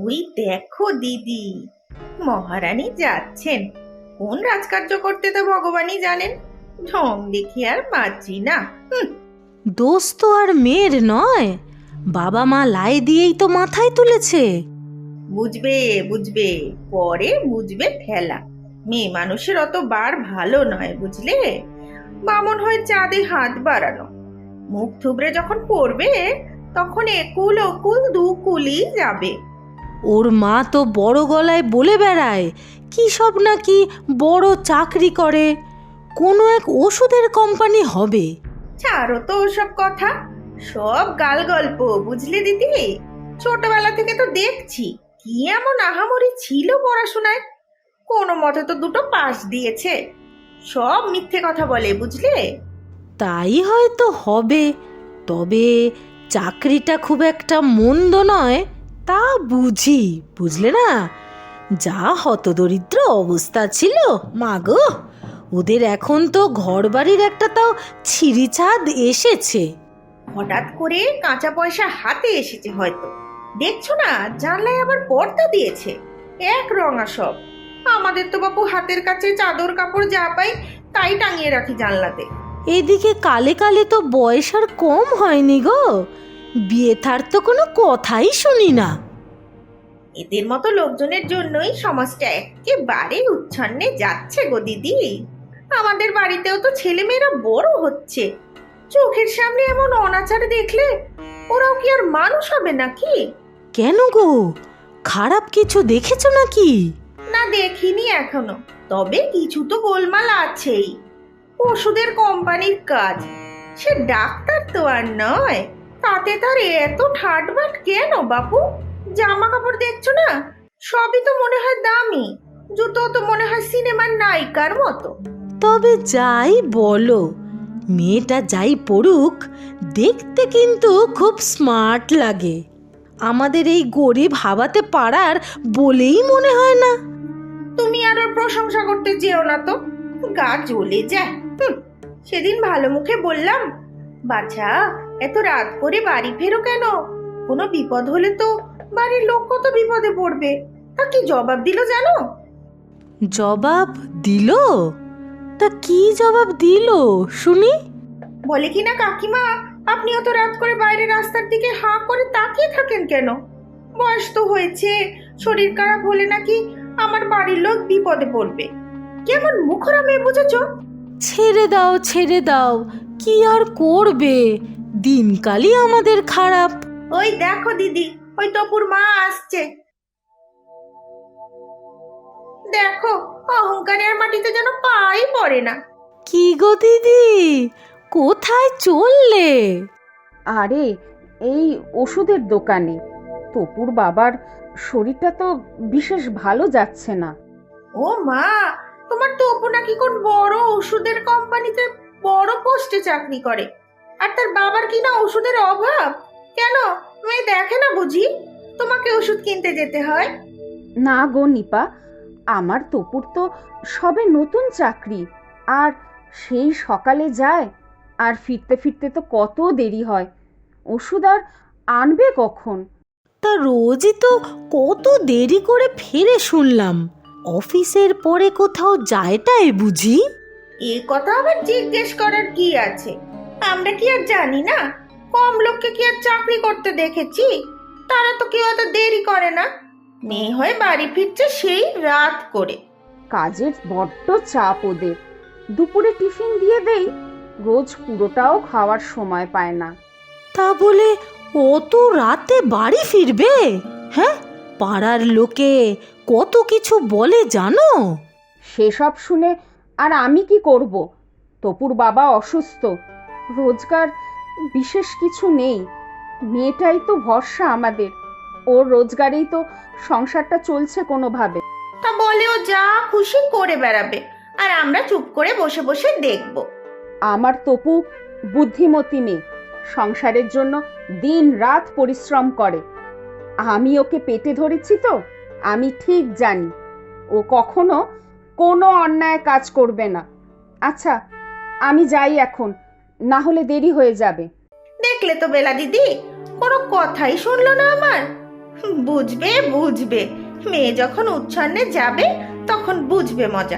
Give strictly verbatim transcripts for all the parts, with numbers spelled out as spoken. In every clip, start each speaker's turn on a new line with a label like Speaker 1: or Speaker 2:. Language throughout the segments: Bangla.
Speaker 1: ওই দেখো দিদি, মহারানী যাচ্ছেন। কোন রাজকার্য করতে তো ভগবানই জানেন। ঢং দেখি আর পাচ্ছি না। হুঁ,
Speaker 2: দোষ তো আর মেয়ের নয়, বাবা মা লাই দিয়েই তো মাথায় তুলেছে।
Speaker 1: বুঝবে বুঝবে, পরে বুঝবে ঠেলা। মেয়ে মানুষের অত বার ভালো নয়, বুঝলে। বামন হয়ে চাঁদে হাত বাড়ানো, মুখ থুবড়ে যখন পড়বে তখন একুল ওকুল দু কুলি যাবে।
Speaker 2: ওর মা তো বড় গলায় বলে বেড়ায় কি সব নাকি বড় চাকরি করে, কোনো এক ওষুধের কোম্পানি হবে।
Speaker 1: ছাড়ো তো ওসব কথা, সব গাল গল্প, বুঝলে দিদি। ছোটবেলা থেকে তো দেখছি কি এমন আহামরি ছিল পড়াশোনায়। কোনো মতে তো দুটো পাস দিয়েছে। সব মিথ্যে কথা বলে, বুঝলে।
Speaker 2: তাই হয়তো হবে, তবে চাকরিটা খুব একটা মন্দ নয় তা বুঝি, বুঝলে না। যা হতদরিদ্র অবস্থা ছিল, মাগো, ওদের এখন তো ঘরবাড়ির একটা তাও ছিঁড়িছাদ এসেছে।
Speaker 1: হঠাৎ করে কাঁচা পয়সা হাতে এসেছে হয়তো। দেখছো না, জানলায় আবার পর্দা দিয়েছে, এক রঙা সব। আমাদের তো বাপু হাতের কাছে চাদর কাপড় যা পাই তাই টাঙিয়ে রাখি জানলাতে।
Speaker 2: এদিকে কালে কালে তো বয়স আর কম হয়নি গো, বিয়ে থার তো কোনো কথাই শুনি না।
Speaker 1: এদের মতো লোকজনের জন্যই সমাজটা একেবারে উচ্ছন্নে যাচ্ছে গো দিদি। আমাদের বাড়িতেও তো ছেলেমেয়েরা বড় হচ্ছে, চোখের সামনে এমন অনাচার দেখলে ওরাও কি আর মানুষ হবে নাকি?
Speaker 2: কেন গো, খারাপ কিছু দেখেছো নাকি?
Speaker 1: না, দেখিনি এখনো, তবে কিছু তো গোলমাল আছেই। ওষুধের কোম্পানির কাজ, সে ডাক্তার তো আর নয়, তাতে তার এত ঠাটবাট কেন বাপু? জামা কাপড় দেখছো না, সবই তো মনে হয় দামি, জুতো তো মনে হয় সিনেমার নায়িকার মতো।
Speaker 2: তবে যাই বলো, মেয়েটা যাই পড়ুক, দেখতে কিন্তু খুব স্মার্ট লাগে। আমাদের এই গরিব হাবাতে পাড়ার বলেই মনে হয় না।
Speaker 1: তুমি আর ওর প্রশংসা করতে যেও না তো, গা জ্বলে যায়। হুঁ, সেদিন ভালো মুখে বললাম, বাছা এত রাত করে বাড়ি ফেরো কেন? কোনো বিপদ হলে তো বাড়ির লোক কত বিপদে পড়বে। তা কি জবাব দিল জানো?
Speaker 2: জবাব দিল? তা কি জবাব দিল শুনি?
Speaker 1: বলে কি না, কাকিমা আপনি অত রাত করে বাইরে রাস্তার দিকে হাঁ করে তাকিয়ে থাকেন কেন? বয়স তো হয়েছে, শরীর খারাপ হলে নাকি আমার বাড়ির লোক বিপদে পড়বে। কেমন মুখরা মেয়ে বুঝেছো?
Speaker 2: ছেড়ে দাও ছেড়ে দাও, কি আর করবে, দিনকালই আমাদের খারাপ।
Speaker 1: ওই দেখো দিদি, ওই টপুর মা আসছে। দেখো, অহংকারের মাটিতে যেন পাই পড়ে না।
Speaker 2: কি গো দিদি, কোথায় চললে?
Speaker 3: আরে এই ওষুধের দোকানে। তপুর বাবার শরীরটা তো বিশেষ ভালো যাচ্ছে না।
Speaker 1: ও মা, তোমার টপু নাকি কোন বড় ওষুধের কোম্পানিতে বড় পোস্টে চাকরি করে, আর তার বাবার কিনা ওষুধের অভাব। কেন, মেয়ে দেখে না বুঝি তোমাকে ওষুধ কিনতে যেতে হয়?
Speaker 3: না গো নিপা, আমার তপুর তো সবে নতুন চাকরি, আর সেই সকালে যায় আর ফিরতে ফিরতে তো কত দেরি হয়। ওষুধ আর আনবে কখন?
Speaker 2: তা রোজই তো কত দেরি করে ফিরে শুনলাম, অফিসের পরে কোথাও যায়টাই বুঝি?
Speaker 1: এ কথা আবার জিজ্ঞেস করার কি আছে? আমরা কি আর জানি না? কম লোককে কি আর চাকরি করতে দেখেছি? তারা তো কেউ অত দেরি করে না। মেয়ে হয়ে বাড়ি ফিরছে সেই রাত করে।
Speaker 3: কাজের বড্ড চাপ ওদের। দুপুরে টিফিন দিয়ে দেই, রোজ পুরোটাও খাওয়ার সময় পায় না।
Speaker 2: তা বলে অত রাতে বাড়ি ফিরবে? হ্যাঁ, পাড়ার লোকে কত কিছু বলে জানো?
Speaker 3: সেসব শুনে আর আমি কি করব? তপুর বাবা অসুস্থ, রোজগার বিশেষ কিছু নেই। মেয়েটাই তো ভরসা আমাদের, ওর রোজগারেই তো সংসারটা চলছে কোনোভাবে।
Speaker 1: তা বলে ও যা খুশি করে বেড়াবে, আর আমরা চুপ করে বসে বসে দেখব।
Speaker 3: আমার তপু বুদ্ধিমতী মেয়ে, সংসারের জন্য দিন রাত পরিশ্রম করে। আমি ওকে পেটে ধরেছি তো, আমি ঠিক জানি ও কখনো কোনো অন্যায় কাজ করবে না। আচ্ছা আমি যাই এখন, না হলে দেরি হয়ে যাবে।
Speaker 1: দেখলে তো বেলা দিদি, কোনো কথাই শুনলো না আমার। বুঝবে বুঝবে, মেয়ে যখন উচ্ছন্নে যাবে তখন বুঝবে মজা।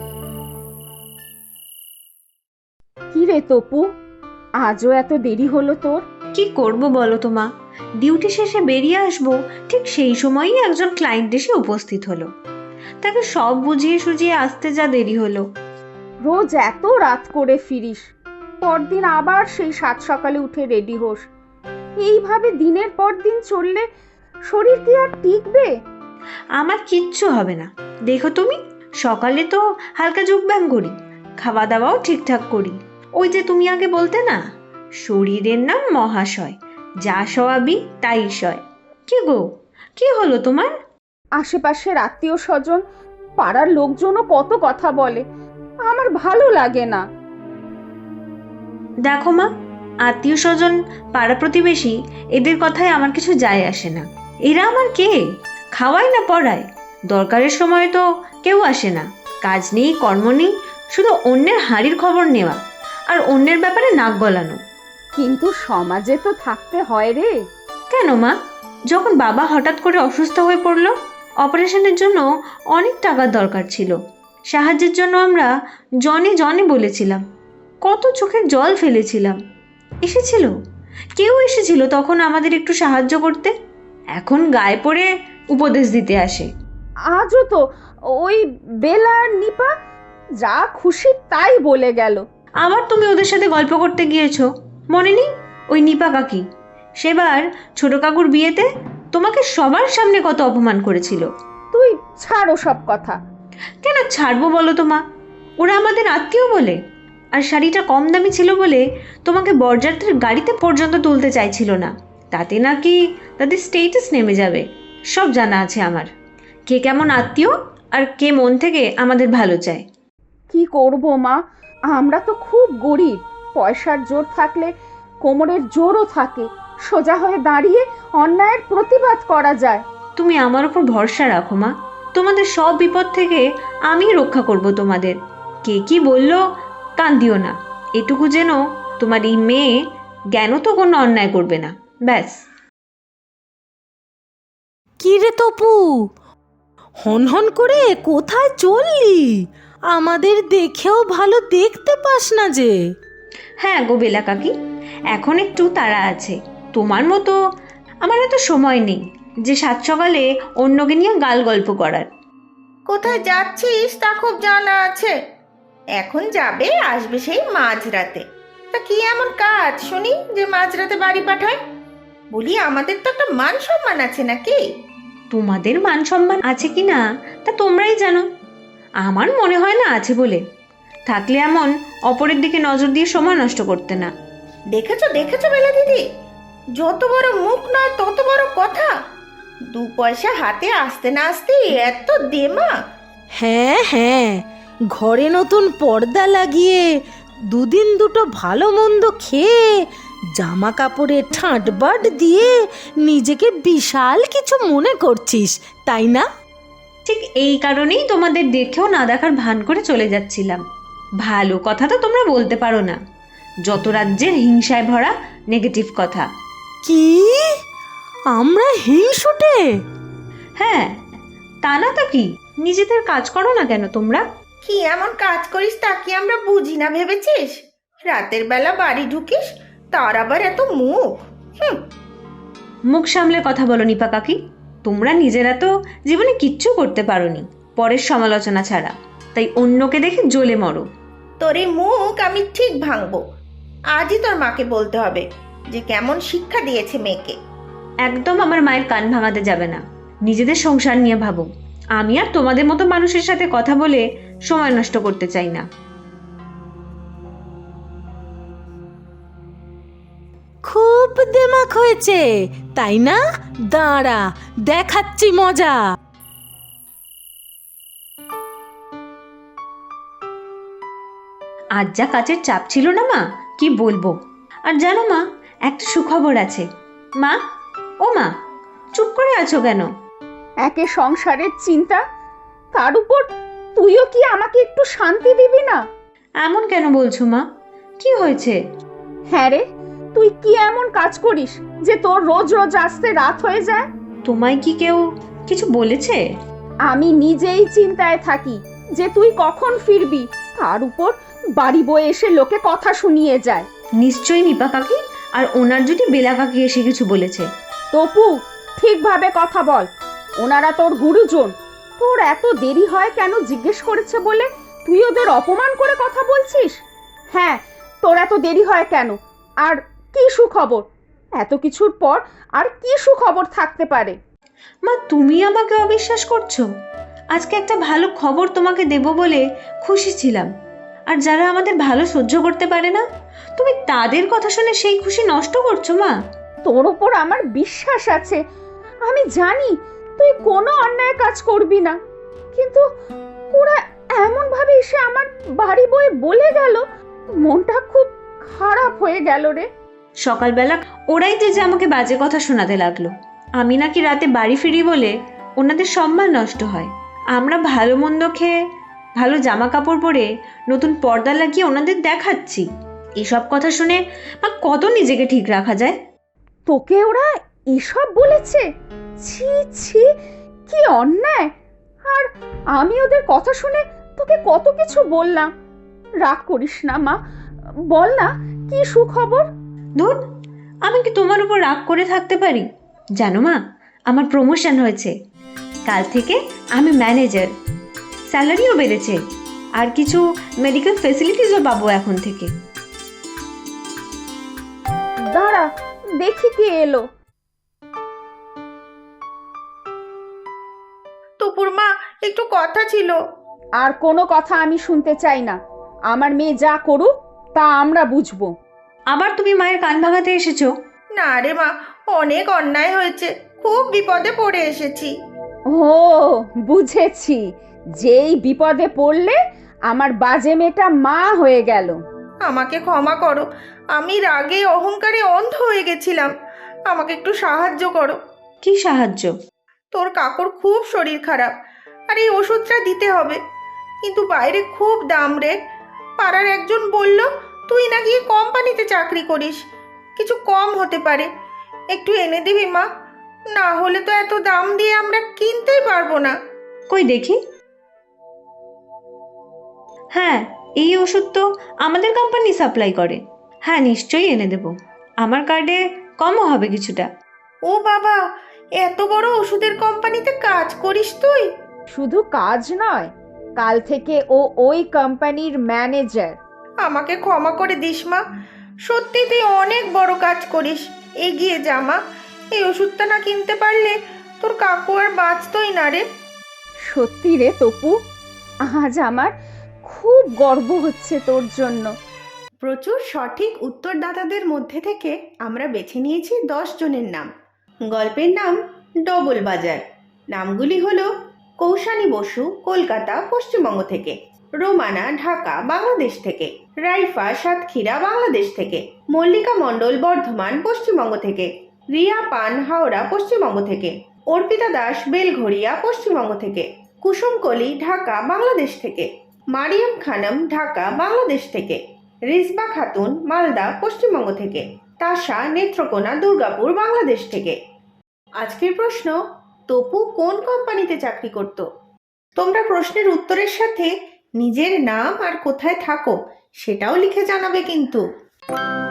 Speaker 3: কি রে তপু, আজও এত দেরি হলো তোর?
Speaker 4: কি করব বলো তো মা, ডিউটি শেষে বেরিয়ে আসবো ঠিক সেই সময়ই একজন ক্লায়েন্ট এসে উপস্থিত হলো। তাকে সব বুঝিয়ে সুঝিয়ে আসতে যা দেরি হলো।
Speaker 3: রোজ এত রাত করে ফিরিস, পরদিন আবার সেই সাত সকালে উঠে রেডি হোস। এইভাবে দিনের পর দিন চললে শরীর কি আর টিকবে?
Speaker 4: আমার কিচ্ছু হবে না, দেখো তুমি, সকালে তো হালকা যোগব্যায়াম করি, খাওয়া দাওয়াও ঠিকঠাক করি। ওই যে তুমি আগে বলতে না, শরীরের নাম মহাশয়, যা সয়াবি তাই সয়। কি গো, কি হলো তোমার?
Speaker 3: আশেপাশের আত্মীয় স্বজন, পাড়ার লোকজনও কত কথা বলে, আমার ভালো লাগে না।
Speaker 4: দেখো মা, আত্মীয় স্বজন, পাড়া প্রতিবেশী, এদের কথায় আমার কিছু যায় আসে না। এরা আমার কে? খাওয়ায় না পড়ায়? দরকারের সময় তো কেউ আসে না। কাজ নেই, কর্ম নেই, শুধু অন্যের হাঁড়ির খবর নেওয়া আর অন্যের ব্যাপারে নাক গলানো।
Speaker 3: কিন্তু সমাজে তো থাকতে হয় রে।
Speaker 4: কেন মা? যখন বাবা হঠাৎ করে অসুস্থ হয়ে পড়লো, অপারেশনের জন্য অনেক টাকার দরকার ছিল, সাহায্যের জন্য আমরা জনে জনে বলেছিলাম, কত চোখের জল ফেলেছিলাম। এসেছিল, কেউ এসেছিল তখন আমাদের একটু সাহায্য করতে। এখন গায়ে পড়ে উপদেশ দিতে আসে।
Speaker 3: আজও তো ওই বেলা আর নিপা যা খুশি তাই বলে গেল।
Speaker 4: আবার তুমি ওদের সাথে গল্প করতে গিয়েছো, মনে নেই? ওই নিপা কাকি সেবার ছোট কাকুর বিয়েতে তোমাকে সবার সামনে কত অপমান করেছিল।
Speaker 3: তুই ছাড়ো সব কথা।
Speaker 4: কেন ছাড়বো বলো তো মা? ওরা আমাদের আত্মীয় বলে, আর শাড়িটা কম দামি ছিল বলে তোমাকে বরযাত্রীর গাড়িতে পর্যন্ত তুলতে চাইছিল না। তাতে নাকি তাদের স্টেটাস নেমে যাবে। সব জানা আছে আমার, কে কেমন আত্মীয় আর কে মন থেকে আমাদের ভালো চায়।
Speaker 3: কি করব মা, আমরা তো খুব গরিব। পয়সার জোর থাকলে কোমরের জোরও থাকে, সোজা হয়ে দাঁড়িয়ে অন্যায়ের প্রতিবাদ করা যায়।
Speaker 4: তুমি আমার উপর ভরসা রাখো মা, তোমাদের সব বিপদ থেকে আমি রক্ষা করব তোমাদের। কে কি বললো কান দিও না, এটুকু যেন তোমার এই মেয়ে জ্ঞান তো কোনো অন্যায় করবে না, ব্যাস।
Speaker 2: কি রে তপু, হন হন করে কোথায় চললি? আমাদের দেখেও ভালো দেখতে পাস না যে।
Speaker 4: হ্যাঁ গো বেলা কাকি, এখন একটু তাড়া আছে। তোমার মতো আমার এত সময় নেই যে সাত সকালে অন্যকে নিয়ে গাল গল্প করার।
Speaker 1: কোথায় যাচ্ছিস তা খুব জানা আছে। এখন যাবে আসবে সেই মাঝরাতে। তা কি এমন কাজ শুনি যে মাঝরাতে বাড়ি পাঠায়? বলি আমাদের তো একটা মান সম্মান আছে নাকি?
Speaker 4: তোমাদের মান সম্মান আছে কি না তা তোমরাই জানো, আমার মনে হয় না আছে বলে। থাকলে এমন অপরের দিকে নজর দিয়ে সময় নষ্ট করতে না।
Speaker 1: দেখেছো দেখেছো বেলা দিদি, যত বড় মুখ নয় তত বড় কথা। দু পয়সা হাতে আসতে না আসতে এত দেমা।
Speaker 2: হ্যাঁ হ্যাঁ, ঘরে নতুন পর্দা লাগিয়ে দুদিন দুটো ভালো মন্দ খেয়ে জামা কাপড়ে ঠাঁটবাট দিয়ে নিজেকে বিশাল কিছু মনে করছিস, তাই না?
Speaker 4: ঠিক এই কারণেই তোমাদের দেখেও না দেখার ভান করে চলে যাচ্ছিলাম। ভালো কথা তো তোমরা বলতে পারো না, যত রাজ্যের হিংসায় ভরা নেগেটিভ কথা।
Speaker 2: কি আমরা হিংসুটে?
Speaker 4: হ্যাঁ, তা না তো কি, নিজেদের কাজ করো না কেন তোমরা?
Speaker 1: কি এমন কাজ করিস তা কি আমরা বুঝি না ভেবেছিস? রাতের বেলা বাড়ি ঢুকিস, তার আবার এত মুখ। হুম,
Speaker 4: মুখ সামলে কথা বলো নিপা কাকি। তোমরা নিজেরা তো জীবনে কিচ্ছু করতে পারোনি পরের সমালোচনা ছাড়া, তাই অন্যকে দেখে জ্বলে মরো।
Speaker 1: তোর এই মুখ আমি ঠিক ভাঙবো। আজই তোর মাকে বলতে হবে যে কেমন শিক্ষা দিয়েছে মেয়েকে।
Speaker 4: একদম আমার মায়ের কান ভাঙাতে যাবে না। নিজেদের সংসার নিয়ে ভাবো। আমি আর তোমাদের মতো মানুষের সাথে কথা বলে সময় নষ্ট করতে চাই না।
Speaker 2: খুব দেমাক হয়েছে তাই না? দাঁড়া দেখাচ্ছি মজা।
Speaker 4: আজ যা কাজের চাপ ছিল না মা, কি বলবো। আর জানো মা, একটা সুখবর আছে। মা, ও মা, চুপ করে আছো কেন?
Speaker 3: একে সংসারের চিন্তা, তার উপর তুইও কি আমাকে একটু শান্তি দিবি না?
Speaker 4: এমন কেন বলছো মা, কি হয়েছে?
Speaker 3: হ্যাঁ রে, তুই কি এমন কাজ করিস যে তোর রোজ রোজ আসতে রাত হয়ে যায়?
Speaker 4: তোমায় কি কেউ কিছু বলেছে?
Speaker 3: আমি নিজেই চিন্তায় থাকি যে তুই কখন ফিরবি, তার উপর বাড়ি বয়ে এসে লোকে কথা শুনিয়ে যায়।
Speaker 4: নিশ্চয়ই নিপা কাকি আর ওনার যদি বেলা কাকি এসে কিছু বলেছে।
Speaker 3: তপু, ঠিকভাবে কথা বল। ওনারা তোর গুরুজন, তোর এত দেরি হয় কেন জিজ্ঞেস করেছে বলে তুই ওদের অপমান করে কথা বলছিস? হ্যাঁ, তোর এত দেরি হয় কেন, আর কি সুখবর? এত কিছুর পর আর কি সুখবর থাকতে পারে?
Speaker 4: মা, তুমি আমাকে অবিশ্বাস করছো? আজকে একটা ভালো খবর তোমাকে দেব বলে খুশি ছিলাম, আর যারা আমাদের ভালো সহ্য করতে পারে না, তুমি তাদের কথা শুনে সেই খুশি নষ্ট করছো মা।
Speaker 3: তোর ওপর আমার বিশ্বাস আছে, আমি জানি তুই কোনো অন্যায় কাজ করবি না, কিন্তু ওরা এমন ভাবে এসে আমার বাড়ি বয়ে বলে গেল, মনটা খুব খারাপ হয়ে গেল রে।
Speaker 4: সকালবেলা ওরাই তো যে আমাকে বাজে কথা শোনাতে লাগলো, আমি নাকি রাতে বাড়ি ফিরি বলে ওনাদের সম্মান নষ্ট হয়। আমরা ভালো মন্দ খেয়ে, ভালো জামা কাপড় পরে, নতুন পর্দা লাগিয়ে ওনাদের দেখাচ্ছি। এসব কথা শুনে মা কত নিজেকে ঠিক রাখা যায়?
Speaker 3: তোকে ওরা এসব বলেছে? ছি ছি, কি অন্যায়! আর আমি ওদের কথা শুনে তোকে কত কিছু বললাম। রাগ করিস না মা, বল না কি সুখবর?
Speaker 4: ধুর, আমি কি তোমার উপর রাগ করে থাকতে পারি? জানো মা, আমার প্রমোশন হয়েছে। কাল থেকে আমি ম্যানেজার, স্যালারিও বেড়েছে, আর কিছু মেডিকেল ফেসিলিটিসও পাবো এখন থেকে।
Speaker 3: দাঁড়া, দেখি কে এলো।
Speaker 1: টুপুর মা, একটু কথা ছিল।
Speaker 3: আর কোনো কথা আমি শুনতে চাই না। আমার মেয়ে যা করুক তা আমরা বুঝবো।
Speaker 4: আবার তুমি মায়ের কান ভাঙাতে এসেছো?
Speaker 1: না রে মা, অনেক অন্যায় হয়েছে, খুব বিপদে পড়ে এসেছি।
Speaker 3: ও, বুঝেছি, যেই বিপদে পড়লে আমার বাজে মেয়েটা মা হয়ে গেল।
Speaker 1: আমাকে ক্ষমা করো, আমি রাগে অহংকারে অন্ধ হয়ে গেছিলাম। আমাকে একটু সাহায্য করো।
Speaker 4: কি সাহায্য?
Speaker 1: তোর কাকুর খুব শরীর খারাপ, আর এই ওষুধটা দিতে হবে, কিন্তু বাইরে খুব দাম রে। পাড়ার একজন বলল তুই নাকি কোম্পানিতে চাকরি করিস, কিছু কম হতে পারে। একটু এনে দিবি মা, না হলে তো এত দাম দিয়ে আমরা কিনতেই পারবো না।
Speaker 4: কই দেখি। হ্যাঁ, এই ওষুধ তো আমাদের কোম্পানি সাপ্লাই করে। হ্যাঁ, নিশ্চয়ই এনে দেব। আমার কার্ডে কমও হবে কিছুটা।
Speaker 1: ও বাবা, এত বড় ওষুধের কোম্পানিতে কাজ করিস তুই?
Speaker 3: শুধু কাজ নয়, কাল থেকে ও ওই কোম্পানির ম্যানেজার।
Speaker 1: আমাকে ক্ষমা করে দিস মা, সত্যি তুই অনেক বড় কাজ করিস। এগিয়ে যা মা, এই ওষুধটা না কিনতে পারলে তোর কাকু আর বাঁচতই না রে।
Speaker 3: সত্যি রে তপু, আজ আমার খুব গর্ব হচ্ছে তোর জন্য।
Speaker 1: প্রচুর সঠিক উত্তরদাতাদের মধ্যে থেকে আমরা বেছে নিয়েছি দশ জনের নাম। গল্পের নাম ডবল বাজার। নামগুলি হলো কৌশানী বসু, কলকাতা পশ্চিমবঙ্গ থেকে; রোমানা, ঢাকা বাংলাদেশ থেকে; রাইফা, সাতক্ষীরা বাংলাদেশ থেকে; মল্লিকা মণ্ডল, বর্ধমান পশ্চিমবঙ্গ থেকে; রিয়া পান, হাওড়া পশ্চিমবঙ্গ থেকে; অর্পিতা দাস, বেলঘড়িয়া পশ্চিমবঙ্গ থেকে; কুসুম কলি, ঢাকা বাংলাদেশ থেকে; মারিয়াম খানম, ঢাকা বাংলাদেশ থেকে; রিজবা খাতুন, মালদা পশ্চিমবঙ্গ থেকে; তাশা, নেত্রকোনা, দুর্গাপুর বাংলাদেশ থেকে। আজকের প্রশ্ন, তপু কোন কোম্পানিতে চাকরি করত? তোমরা প্রশ্নের উত্তরের সাথে নিজের নাম আর কোথায় থাকো সেটাও লিখে জানাবে কিন্তু।